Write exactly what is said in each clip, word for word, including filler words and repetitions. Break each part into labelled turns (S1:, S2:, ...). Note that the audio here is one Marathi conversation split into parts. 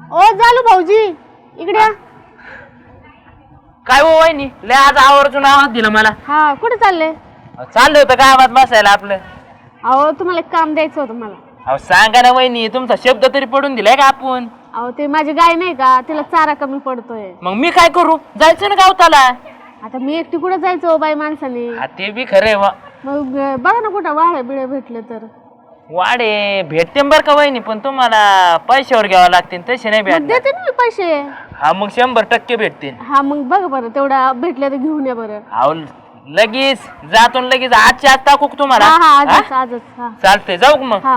S1: ओ झालो भाऊजी इकडे या.
S2: काय हो वहिनी लय आज आवर्जून आवाज दिला मला.
S1: हा कुठे चालले?
S2: चाललं होतं गावात बसायला आपलं.
S1: अहो तुम्हाला एक काम द्यायचं होतं मला.
S2: अहो सांगा ना वहिनी, तुमचा शब्द तरी पडून दिलाय का आपण?
S1: अहो ते माझी गाय नाही का, तिला चारा कमी पडतोय.
S2: मग मी काय करू? जायचं ना गावताला.
S1: आता मी एकटी कुठे जायचं हो बाई माणसाने?
S2: हा ते बी खरंय.
S1: मग बघा ना कुठं वाळे बिळे भेटले तर.
S2: वाडे भेटते बर का वहिनी, पण तुम्हाला पैशावर घ्यावं लागतील, तसे नाही
S1: मग
S2: भेटणार.
S1: देते ना मी पैसे.
S2: हा मग शंभर टक्के भेटतील.
S1: हा मग बघ बरं तेवढा भेटले तर घेऊन या बरं.
S2: अहो लगेच जातो लगेच, आजच्या आज टाकू का तुम्हाला?
S1: हा हा आजच आजच. हा
S2: चालतंय, जाऊ का मग?
S1: हा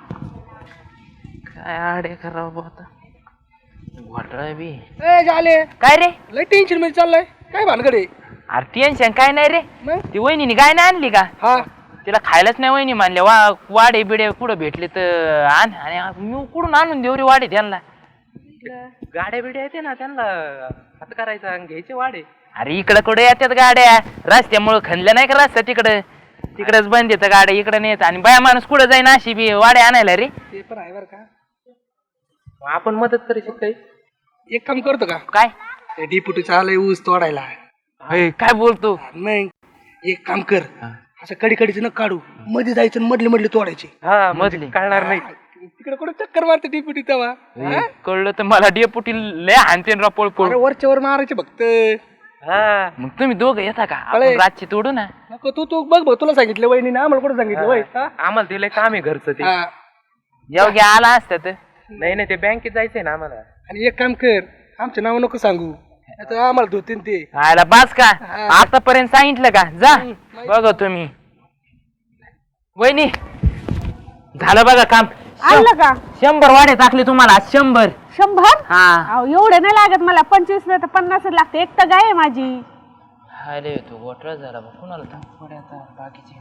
S2: काय आडे करावं आता घोटाळा बी.
S3: ए झाले
S2: काय रे?
S3: लय टेन्शन मध्ये चाललाय, काय भानगडे?
S2: अरे टेन्शन काय नाही रे.
S3: मग?
S2: ती वहिनी काय नाही आणली का?
S3: हा
S2: तिला खायलाच नाही वहिनी मानले. वा वाडे बिडे कुठं भेटले तर आण, आणि मी कुठून आणून देऊ रे वाडे त्यांना?
S4: गाड्या बिड्या येते ना त्यांना हात करायचा आणि घ्यायचे वाडे.
S2: अरे इकडं कुठे येतात गाड्या? रस्त्यामुळे खणल्या नाही का रस्ता तिकडं? तिकडच बंद येतं गाड्या, इकडं नाही येत. आणि बाया माणूस कुठं जाईन अशी बी वाडे आणायला रे?
S3: ते पण आहे बरं का.
S4: आपण मदत करू शकतो.
S3: एक काम करतो का,
S2: काय
S3: ते डिपुटी चालय ऊस तोडायला.
S2: हे, काय बोलतो?
S3: नाही एक काम कर, असं कडी कडीच न काढू, मध्ये जायचं आणि मधले मधले तोडायचे.
S4: हा
S2: मधली.
S4: मधली कळणार नाही.
S3: तिकडे कुठे चक्कर मारते डिपुटी तेव्हा.
S2: हे, कळलं तर मला डेपुटी लय हानतेन रा पळ पळ.
S3: अरे वरच्या वर मारायचे फक्त.
S4: हा
S2: मग तुम्ही दोघं येता का?
S3: अरे.
S2: आपण रातची तोडू ना.
S3: नको तू तू बघ बघ, तुला सांगितलं वहिनी ना, आम्हाला कुठे सांगितलं वय? हा?
S4: आम्हाला दिलंय काम आहे घरचं ते.
S3: हा.
S2: योग्य आला असता तर.
S4: नाही नाही ते बँकेत जायचंय ना आम्हाला.
S3: आणि एक काम कर, आमचं नाव नको सांगू, आता आम्हाला धुतीन ते.
S2: आयला बास का? आतापर्यंत सांगितलं का? जा बघा तुम्ही. वहिनी झालं बघा काम.
S1: आणलं का?
S2: शंभर वाडे टाकले तुम्हाला आज, शंभर.
S1: शंभर?
S2: हा
S1: अहो एवढे नाही लागत मला, पंचवीस नाही तर पन्नास लागते. एक तर गाय आहे माझी.
S2: अरे तो गोठा झाला बा. कुणाला टाकू आता बाकीचे?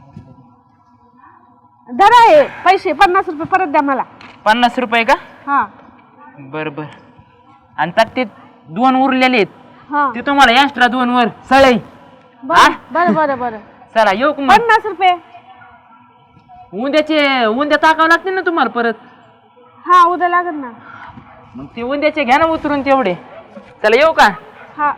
S1: धरा आहे पैसे, पन्नास रुपये परत द्या मला.
S2: पन्नास रुपये का?
S1: हा
S2: बर बर. आणि त्यात ते दोन उरलेले आहेत,
S1: हा
S2: ते तुम्हाला एक्स्ट्रा दोन वर सळई.
S1: बरं बरं बरं बरं.
S2: चला येऊ का मग?
S1: पन्नास रुपये.
S2: उंद्याचे उंद्या टाकावं लागतील ना तुम्हाला परत?
S1: हा उद्या लागत ना.
S2: मग ते उंद्याचे घ्या ना उतरून तेवढे. चला येऊ का?
S1: हा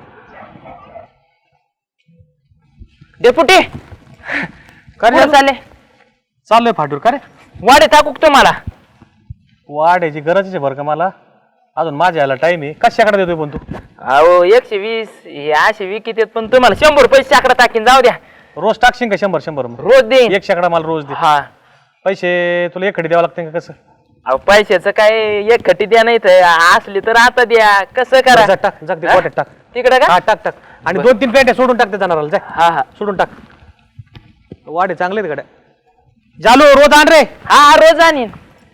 S2: डेपुटी करणार चालले?
S5: चाललोय फाटूर. का रे?
S2: वाडे टाकू का तुम्हाला?
S5: वाढायची गरजच आहे बरं का मला. अजून माझ्या यायला टाइम आहे. कशाकडे देतोय पण तू?
S2: अहो एकशे वीस हे असे विकित पण तुम्हाला शंभर पैसे आकडा टाकीन. जाऊ द्या.
S5: रोज टाकशील का शंभर शंभर?
S2: रोज देईन.
S5: एक शेकडा मला रोज दे.
S2: हा
S5: पैसे तुला एक खडी द्यावं लागते का कसं?
S2: अहो पैशाचं काय एक खटी द्या, नाही तर असली तर आता द्या. कसं करा?
S5: जा, टाक जा ते
S2: हा?
S5: पोट्यात टाक.
S2: तिकडे का?
S5: हा टाक टाक. आणि
S2: बरं.
S5: दोन तीन पेट्या सोडून टाकते जाणाराला. जा
S2: हा हा
S5: सोडून टाक. वाढे चांगले आहेत गड्या. जालो रोज आण रे.
S2: हा रोज आणीन.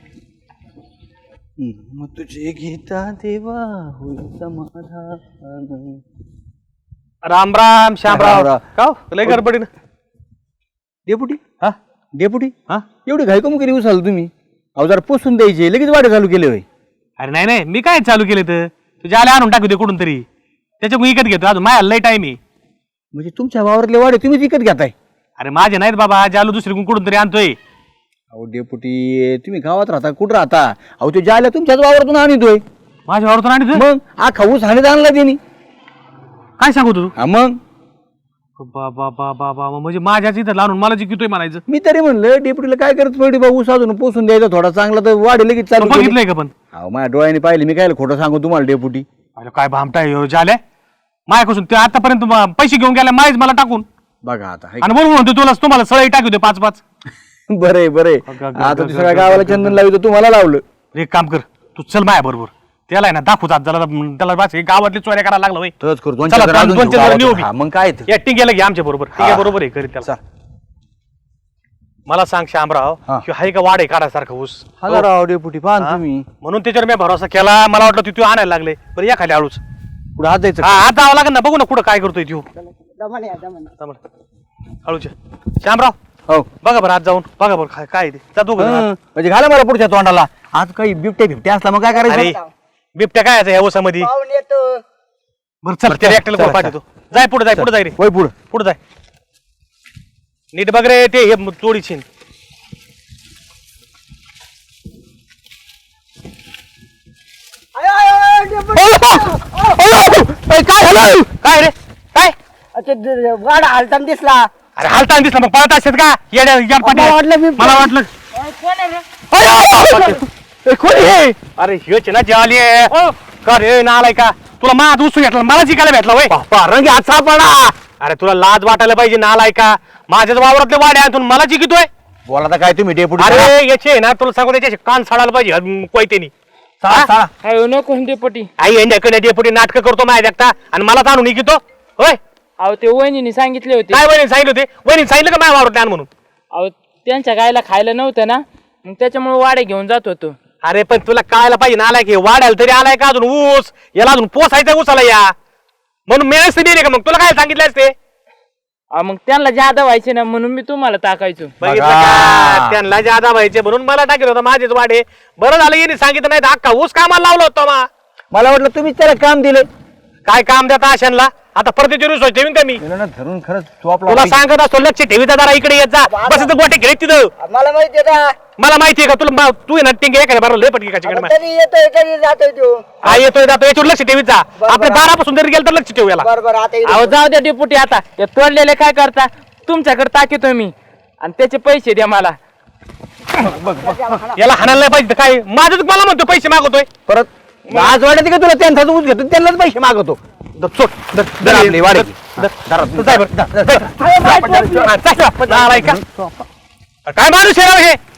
S6: मग तुझे गीता देवा होईल समाधान.
S5: राम राम श्यामराव.
S6: राम राम.
S5: का हो? लय गडबडीनं.
S6: डेपुटी
S5: हा
S6: डेपुटी
S5: हा
S6: एवढी घाई कमी केली उसाल तुम्ही? अहो जरा पोसून द्यायचे, लगेच वाढे चालू केले होय.
S5: अरे नाही नाही मी काय चालू केले तर तुझ्या आले आणून टाकू दे कुठून तरी. त्याच्या विकत घेतो. अजून माझ्या लय टाइम आहे.
S6: म्हणजे तुमच्या वावरातले वाडे तुम्हीच विकत घेताय?
S5: अरे माझे नाहीत बाबा, जालू दुसरी कुठून तरी आणतोय.
S6: अहो डेपुटी तुम्ही गावात राहता, कुठं राहता? अहो तो ज्याला तुमच्याच वावरातून आणतोय.
S5: माझ्या वावरातून आणतोय?
S6: मग हा खाऊस हाणीत आणला त्यांनी.
S5: काय सांगू तू?
S6: हा मग
S5: बाबा बाबा बाबा म्हणजे माझ्याच इथं लावून मला जिकितोय म्हणायचं.
S6: मी तरी म्हणलं डेपुटीला काय करत थोडी बा ऊस अजून पोसून द्यायचा थोडा चांगला, तर वाढे लगेच चालू केली.
S5: बघितलंय का पण?
S6: अहो माझ्या डोळ्याने पाहिले, मी काय खोटं सांगू तुम्हाला डेपुटी?
S5: अरे काय भामटा झाल्या मायापासून ते आतापर्यंत म- पैसे घेऊन गेल्या माहीच मला टाकून.
S6: बघा आता हाय.
S5: आणि बोलून म्हणतो तुला तुम्हाला सळई टाकू दे पाच पाच.
S6: बरे बरे
S5: ग- ग-
S6: आता
S5: ग-
S6: ते सगळ्या
S5: ग-
S6: गावाला
S5: ग-
S6: चंदन लावतो, तुम्हाला लावलं.
S5: एक काम कर, तू चल माया बरोबर. त्याला आहे ना दाखवू जात त्याला त्याला बस हे गावातली चोऱ्या करायला लागला होय.
S6: तोच करू दोन
S5: चला,
S6: चार जण
S5: दोन-
S6: अजून
S5: दोन
S6: घेऊ
S5: चार जण
S6: गावातून.
S5: नेऊ बी.
S6: हा, मग काय ते?
S5: एकटी गेलं की आमच्या बरोबर. ठीक आहे बरोबर आहे करीत त्याला. मला सांग श्यामराव,
S6: हा.
S5: की हाय का वाढ आहे काढासारखा ऊस?
S6: हजार राव डेपुटी पाहा ना
S5: हा?
S6: तुम्ही.
S5: म्हणून त्याच्यावर मी भरोसा केला. मला वाटलं तू आणायला लागले. बरं या खाली आळूच.
S6: पुढे हात जायचं.
S5: हा आता जावं लागेल ना, बघू ना कुठं काय करतोय तू. हळूच श्यामराव
S6: हो
S5: बघा बरं आज जाऊन बघा बरं काय काय आहे ते. जा दोघं जण.
S6: हं, म्हणजे घाला मला पुढच्या तोंडाला. आज काही बिबटे बिबटे असला मग काय
S5: अरे
S6: करायचं?
S5: बिबट्या काय आहे ह्या ऊसामध्ये? बरं चल त्याला एकट्याला
S6: चला,
S5: कोण पाठवतो. जाय पुढे जाय पुढे जाय रे.
S6: वय पुढे.
S5: पुढे जाय. नीट बघ रे ते हे तोडीची.
S3: आयो, आयो, आयो.
S5: काय झालं काय रे काय
S3: गाडा हालताना दिसला.
S5: अरे हालताना दिसला मग पळत असत का येड्या येड पाट्या.
S3: मला वाटलं मी-
S5: मला वाटलं अरे, कोण हे? अरे ह्योच ना जाली का रे नालाय का तुला मात उचून घेतला मला जिकायला भेटला वय रंगी हात सापडा. अरे तुला लाज वाटायला पाहिजे नालाय का माझ्याच वावरातले वाड्या आणून मला जिकितोय.
S6: बोला तर काय तुम्ही डेपुटी
S5: अरे याचे ना तुला सांगू त्याचे कान साडायला पाहिजे कोयतेनी
S2: अहो नको डेपुटी.
S5: आई यांच्याकडे डेपुटी नाटक करतो माझ्या देखता आणि मला ताणून निघतो होय.
S2: अहो ते वहिनीने सांगितले होते.
S5: काय वहिनी सांगितलं होते वहिनी सांगितलं का माझ्या वावरात आण म्हणून.
S2: अहो त्यांच्या गायला खायला नव्हतं ना मग त्याच्यामुळे वाडे घेऊन जात होतो.
S5: अरे पण तुला कळायला पाहिजे ना आलाय की वाढायला तरी आलाय का अजून ऊस याला अजून पोसायचा ऊसाला या म्हणून मेहनत दिली का मग तुला काय सांगितलं असते.
S2: अहो, मग त्यांना जादा व्हायचे ना म्हणून मी तुम्हाला टाकायचो.
S5: बघितलं का त्यांना जादा व्हायचे म्हणून मला टाकलं होतं माझेच वाडे. बरं झालं येणे सांगितलं नाही तर अख्खा ऊस कामाला लावलं होतं मा.
S6: मला वाटलं तुम्हीच त्याला काम दिले.
S5: काय काम देता अशांना आता परत विश्वास ठेवीन का मी.
S6: धरून खरंच चॉप
S5: तुला सांगत असतो लक्ष ठेवीचा जरा इकडे येत जा बस गोटे घेत तिथं.
S3: मला माहिती आहे
S5: मला माहितीये का तुला मा- तू आहे ना टिंगे एखाद्या बरोबर लय पटकी का
S3: कधी येतोय कधी जातोय तो.
S5: काय येतोय जातो याच्यावर लक्ष ठेवीत जा. आपल्या दारापासून जरी गेलं तर लक्ष ठेवू याला.
S3: बरोबर आता
S2: अहो जाऊ द्या डेपुटी आता ते तोडलेले काय करता तुमच्याकडे टाकीतो मी आणि त्याचे पैसे द्या मला.
S5: याला हाणायला नाही पाहिजे काय माझं मला म्हणतो पैसे मागवतोय
S6: परत आज वाटत का तुला त्यांचा ऊस घेतो त्यांनाच पैसे मागवतो.
S5: द- सोड. द-
S6: दर आपले वाडे.
S5: द- द- द- जाय बरं. जा- जा- जा- जा- जा- जा- जा- जा- जा- जा- जा- जा- जा- काय माणूस आहे राव हे